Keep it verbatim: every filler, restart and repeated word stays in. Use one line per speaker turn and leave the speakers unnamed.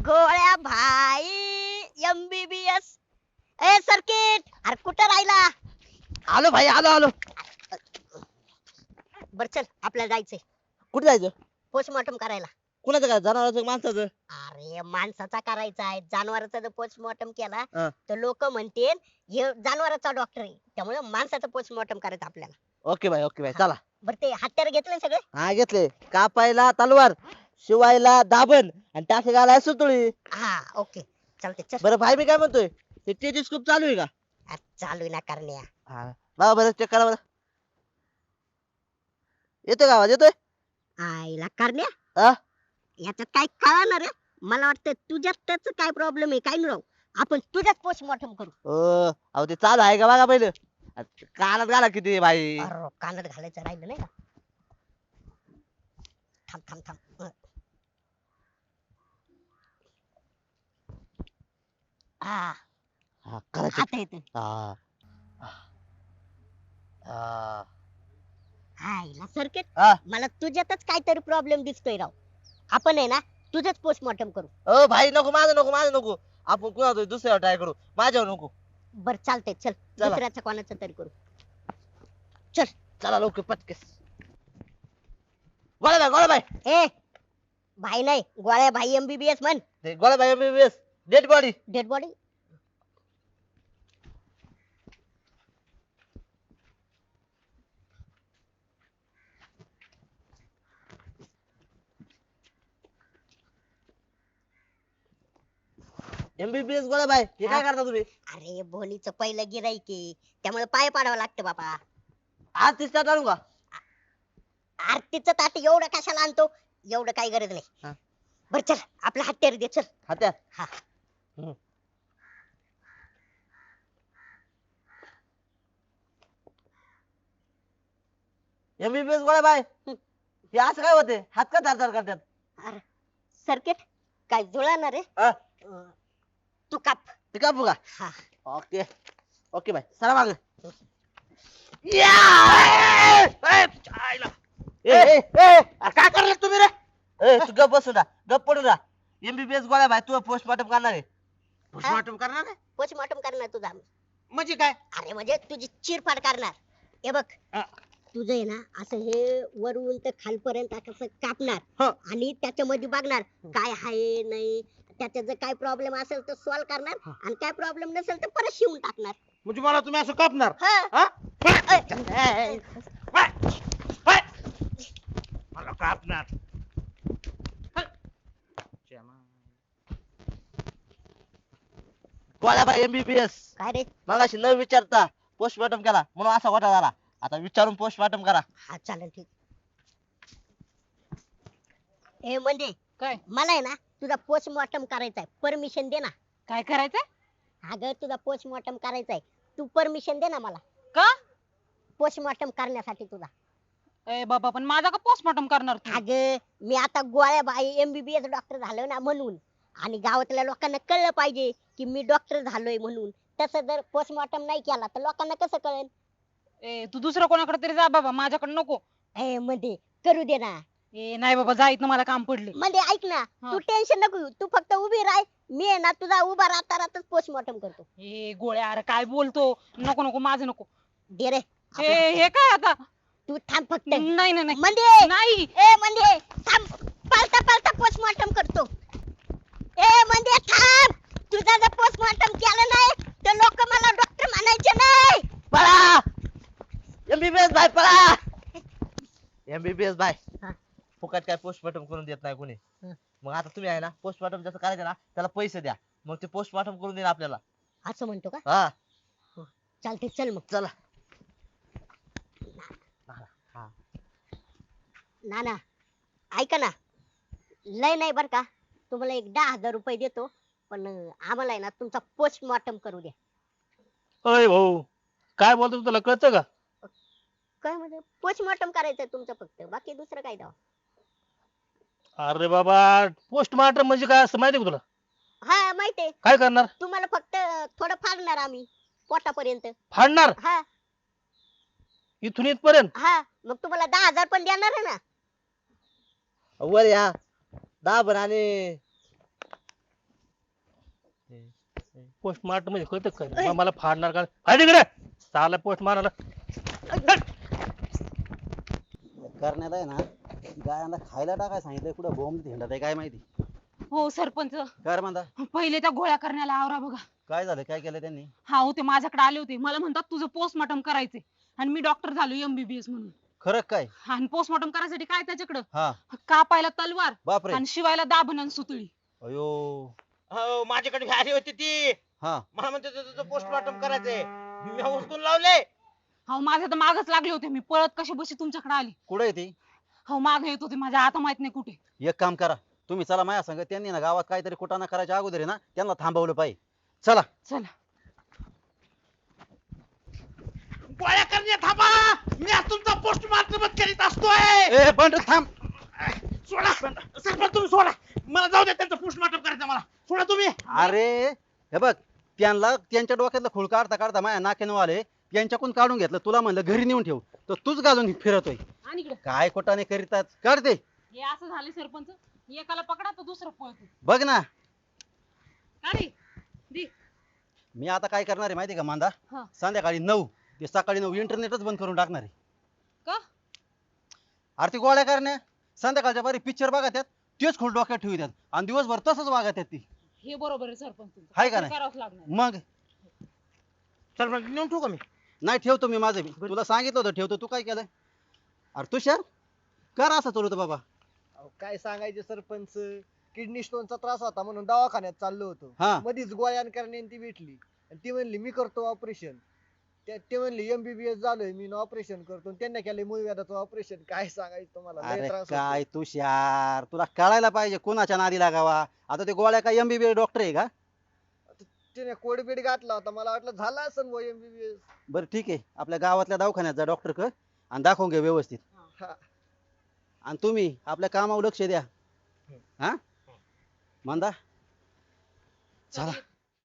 गोळ्या भाई एमबीबीएस ए सर्किट अरे कुठं राहिला?
आलो भाई आलो आलो.
बर चल आपल्याला जायचंय
कुठे जायचं?
पोस्टमॉर्टम करायला.
कुणाचं काय, जनावरांचं माणसाचं?
अरे माणसाचा करायचा आहे, जनावराचा जर पोस्टमॉर्टम केला
हा.
तर लोक म्हणतील हे जनावराचा डॉक्टर आहे, त्यामुळे माणसाचं पोस्टमॉर्टम करायचं आपल्याला.
ओके भाई ओके भाई चला.
बर ते हत्यार घेतले सगळे?
हा घेतले. कापायला तलवार, शिवायला दाबण आणि टाके घालायला सुतळी.
हा ओके चालते चल.
बरं भाई मी काय म्हणतोय, ते टेलिस्कोप चालू आहे का?
आ, चालू आहे ना करण्या.
हा बघा बरं चेक करा बरं. येतोय का आवाज? येतोय?
आईला करण्या
हा
याच्यात काय कळणार रे? मला वाटतं तुझ्यात त्याच काय प्रॉब्लेम आहे काय नाही राव. आपण तुझ्यात पोस्टमॉर्टम करू.
ओ अहो ते चालू आहे का बघा पहिलं. कानात घाला किती आहे भाई.
अरे कानात घालायचं राहिलं नाही का? थांब थांब थांब अं. हा
हा करा check.
आता येत.
हा हा
हायला सर्किट
हा.
मला तुझ्यातच काहीतरी प्रॉब्लेम दिसतोय राव. आपण आहे ना तुझंच पोस्टमॉर्टम करू.
ओ भाई नको, माझं नको माझं नको. आपण कुणा दुसऱ्यावर ट्राय करू, माझ्यावर नको.
बर चालतंय चल
चला.
दुसऱ्याचं कोणाचं तरी करू. चल
चला लवकर पटकेस. गोळ्या भाई गोळ्या भाई
ए भाई नाही गोळ्या भाई एमबीबीएस म्हण.
ते गोळ्या भाई MBBS dead body.
Dead body.
MBBS गोळ्या भाई हे काय
हा.
करता तुम्ही?
अरे भोनीचं पहिलं गिराईक आहे, त्यामुळे पाय पाडावं लागतं बाबा.
आज तिसरा टाळू का?
आरतीचं ताट एवढं कशाला आणतो? एवढं काही गरज
हा.
नाही. बर चल आपला हत्यार दे चल.
हात्या.
हा
एमबीबीएस गोळ्या भाई हे असं काय होते, हात का धारधार करतात?
अरे सर्किट काय जुळणार रे?
हा,
अं, तू काप.
ते कापू का?
हा
ओके ओके भाई सरा माग. काय करले तुम्ही रे? ए तू गप बसून राहा, गप पडून राहा. एमबीबीएस गोळ्या भाई तू पोस्टमॉर्टम करणार आहे?
पोस्टमॉर्टम करणार आहे
पोस्टमॉर्टम करणार तुझा.
म्हणजे काय?
अरे म्हणजे तुझी चिरफाड करणार. हे बघ
हा.
तुझं आहे ना असं हे वरून तर खालपर्यंत असं कापणार
हं.
आणि त्याच्यामध्ये बघणार काय आहे नाही, त्याच्यात जर काय प्रॉब्लेम असेल तर सॉल्व्ह करणार आणि काय प्रॉब्लेम नसेल तर परत शिवून टाकणार.
म्हणजे मला तुम्ही असं कापणार?
हा.
हा?
ऐ, ऐ,
हाय, हाय. मला कापणार. हाय. श्यामा.
गोळ्या भाई एमबीबीएस
काय रे?
मगाशी न विचारता पोस्टमॉर्टम केला म्हणून असा घोटाळा झाला. आता विचारून पोस्टमॉर्टम करा.
हा चालेल ठीक. ए म्हणजे
काय
मला आहे ना तुझा पोस्टमॉर्टम करायचा आहे, परमिशन दे ना.
काय करायचंय?
अगं तुझा पोस्टमॉर्टम करायचा आहे, तू परमिशन दे ना मला
का?
पोस्टमॉर्टम करण्यासाठी तुझा.
ए बाबा पण माझा का पोस्टमॉर्टम करणार तू?
अगं मी आता गोळ्या बाई एमबीबीएस डॉक्टर झालोय ना म्हणून, आणि गावातल्या लोकांना कळलं पाहिजे की मी डॉक्टर झालोय म्हणून. तसं जर पोस्टमॉर्टम नाही केला तर लोकांना कसं कळेल?
ए तू दुसऱ्या कोणाकडे तरी जा बाबा, माझ्याकडे नको.
ए मध्ये करू दे ना.
ए नाही बाबा, जा इथनं, मला काम पडले.
मध्ये ऐक ना,
हा.
तू टेन्शन नको घेऊ, तू फक्त उभी राह. मी आहे ना तुझा उभा राहता राहताच पोस्टमॉर्टम करतो.
ए गोळ्या अरे काय बोलतो, नको नको माझं नको.
दे रे
ए
आपलं.
हे काय आता?
तू थांब फक्त.
नाही नाही नाही
मध्ये
नाही.
ए म्हणजे थांब, पालता पालता पोस्टमॉर्टम करतो. ए म्हणजे थांब, तुझा जर पोस्टमॉर्टम केलं नाही तर लोक मला डॉक्टर म्हणायचे नाही.
पळा एमबीबीएस भाई पळा. एमबीबीएस भाई
हा.
फुकट काय पोस्टमॉर्टम करून देत नाही कोणी.
हं.
मग आता तुम्ही आहे ना पोस्टमॉर्टम जसं करायचं ना त्याला पैसे द्या, मग ते पोस्टमॉर्टम करून देईल आपल्याला.
असं म्हणतो का?
हा
चालते चल मग.
चला.
ना ना ऐका ना, लय नाही बर का, तुम्हाला एक दहा हजार रुपये देतो, पण अं, आम्हाला आहे ना तुमचा पोस्टमॉर्टम करू द्या.
अय भाऊ काय बोलतो, तुला कळतं का?
काय म्हणजे पोस्टमॉर्टम करायचंय तुमचं फक्त, बाकी दुसरं काय द्यावं?
अरे बाबा पोस्टमार्टम म्हणजे काय असं माहिती का तुला?
हा माहितीये.
काय करणार?
तुम्हाला फक्त थोडं फाडणार आम्ही पोटापर्यंत.
फाडणार
हा
इथून इथपर्यंत?
हा मग तुम्हाला दहा हजार पण देणार आहे ना.
वर या दाबण आणि
पोस्टमार्टम मध्ये कळत काय मला फाडणार का फाड इकडे साला पोस्ट मारायला
करण्यात आहे ना गायांना खायला टाकाय सांगितलंय कुठं बोंब हिंडत आहे काय माहिती.
हो सरपंच
काय म्हणता
पहिले त्या गोळ्या करण्याला आवरा बघा.
काय झालं काय केलं त्यांनी.
हा हो ते माझ्याकडे आले होते मला म्हणतात तुझं पोस्टमॉर्टम करायचंय आणि मी डॉक्टर झालो एमबीबीएस म्हणून.
खरं काय.
आणि पोस्टमॉर्टम करायसाठी काय त्याच्याकडं
हा
कापायला तलवार
बापरे.
आणि शिवायला दाभण आणि सुतळी.
अयो
हो माझ्याकडे बी आली होती ती
हा
मला म्हणते तुझं पोस्टमॉर्टम करायचंय मी उचलून लावले.
हो माझ्या तर मागच लागले होते मी पळत कशी बशी तुमच्याकडे आली.
कुठे आहे ती.
हो माग येत होते माझ्या आता माहित नाही कुठे.
एक काम करा तुम्ही चला माझ्या संग त्यांनी ना गावात काहीतरी कुटाणा करायच्या अगोदर आहे ना त्यांना थांबवलं पाहिजे. चला
चला
गोळ्या करणे थांबा मी आज तुमचा पोस्टमॉर्टम करीत असतोय.
ए बंड थांब.
सोडा सरपंच तुम्ही सोडा मला जाऊ दे त्यांचं पोस्टमॉर्टम करायचं मला सोडा तुम्ही.
अरे हे बघ त्यांना त्यांच्या डोक्यातलं खूळ काढता काढता माझ्या नाक्यानं आले त्यांच्याकडून काढून घेतलं तुला म्हणलं घरी नेऊन ठेव तर तूच घालून फिरतोय.
आणि इकडे
काय कुटाणे करीतात काढते
हे असं झाले सरपंच एकाला पकडा तर दुसरं पळतो.
बघ ना.
अरे दे
मी आता काय करणार आहे माहिती का मांदा
हा.
संध्याकाळी नऊ ते सकाळी नऊ इंटरनेटच बंद करून टाकणार आहे.
का
आरती गोळ्या करण्या संध्याकाळच्या बारी पिक्चर बघा त्यात तेच खोल डोक्यात ठेवतात आणि दिवसभर तसंच वागत आहेत ती.
हे बरोबर आहे सरपंच तुमचं.
हाय का नाही?
करावंच लागणार.
मग
सरपंच नेऊन ठेवू का मी.
नाही ठेवतो मी माझं मी तुला सांगितलं होतं ठेवतो तू काय केलं. अरे तुषार कर असं चालू बाबा.
अहो, काय सांगायचे सरपंच किडनी स्टोनचा त्रास होता म्हणून दवाखान्यात चाललो होतो.
हा.
मधीच गोळ्यान करण्याने ती भेटली आणि ती म्हणली मी करतो ऑपरेशन. ते म्हणली एमबीबीएस झालोय मी ऑपरेशन करतो आणि त्यांनी केलंय मूळव्याधाचं ऑपरेशन. काय सांगायचं तुम्हाला लय
अरे
त्रास होतो.
काय तुषार तुला कळायला पाहिजे कोणाच्या नादी लागावा. आता ते गोळ्या काय एमबीबीएस डॉक्टर आहे का.
तिने कोड बीड घातला होता मला वाटलं झाला असं एमबीबीएस.
बरं ठीक आहे आपल्या गावातल्या दवाखान्यात जा डॉक्टर क आणि दाखवून घे व्यवस्थित.
हा.
आणि तुम्ही आपल्या कामावर लक्ष द्या. हा मंदा चला